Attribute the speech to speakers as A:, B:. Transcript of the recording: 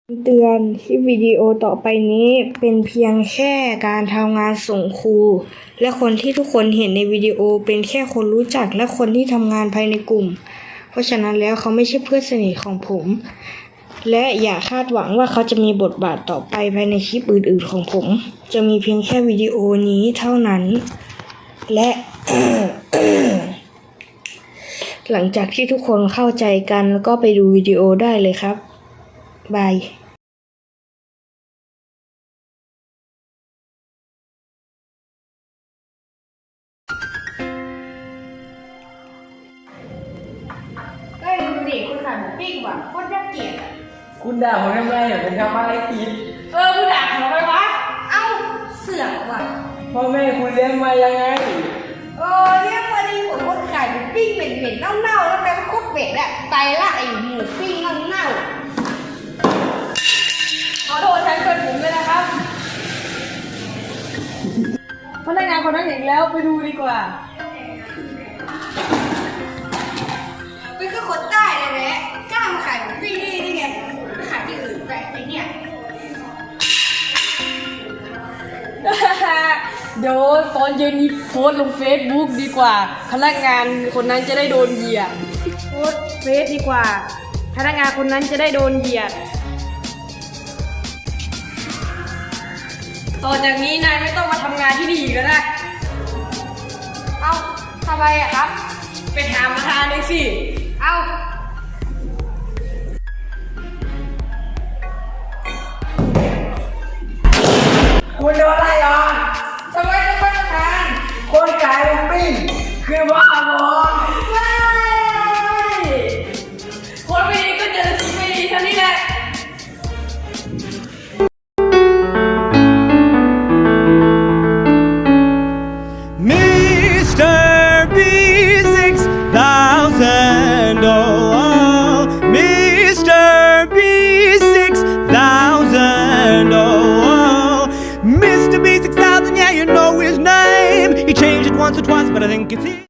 A: เตือนคลิปวิดีโอต่อไปนี้เป็นเพียงแค่การทำงานส่งครูและคนที่ทุกคนเห็นในวิดีโอเป็นแค่คนรู้จักและคนที่ทำงานภายในกลุ่มเพราะฉะนั้นแล้วเขาไม่ใช่เพื่อนสนิทของผมและอย่าคาดหวังว่าเขาจะมีบทบาทต่อไปภายในคลิปอื่นๆของผมจะมีเพียงแค่วิดีโอนี้เท่านั้นและ หลังจากที่ทุกคนเข้าใจกันก็ไปดูวิดีโอได้เลยครับบายก็ดูดิคุณขายหมูปิ้งว่ะโคตรน่าเกลียดอ่ะ
B: คุณด่าผมทำไมผมทำอะไรผิด
A: คุณด่าผมทำไมวะเอ้าเสือกว่ะ
B: พ่อแม่คุณเลี้ยงมายังไง
A: เรียกมาดีผมคนขายหมูปิ้งเหม็นๆเน่าๆแล้วแกก็โคตรเหม็นอ่ะไตละไอ้หมูปิ้งเน่าขอโทษแทนเพื่อนผมเลยนะครับพนักงานคนนั้นเห็นแล้วไปดูดีกว่าเป็นก็คนใต้เลยแหละกล้ามาขายหมูปิ้งนี่ไงขายที่อื่นแต่ไอ้เนี่ย
C: เดี๋ยวตอนเย็นนี้โพสต์ลงเฟซบุ๊กดีกว่าพนักงานคนนั้นจะได้โดนเหยียดโพสต์เฟซดีกว่าพนักงานคนนั้นจะได้โดนเหยียดต่อจากนี้นายไม่ต้องมาทำงานที่นี่อีกแล้วนะ
A: เอ้าทำไมอะครับ
C: ไปถามประธานเลยสิ
A: เอ้า
B: คุณโดนไล่ออก
A: ทำไมต้องไปทำงาน
B: คนขายหมูปิ้งคือบ้าบอ
C: คนไม่ดีก็เจอสิ่งไม่ดีเท่านี้แหละ
D: Mr. B6000, oh, Mr. B6000, oh, Mr. B6000, yeah, you know his name. He changed it once or twice, but I think it's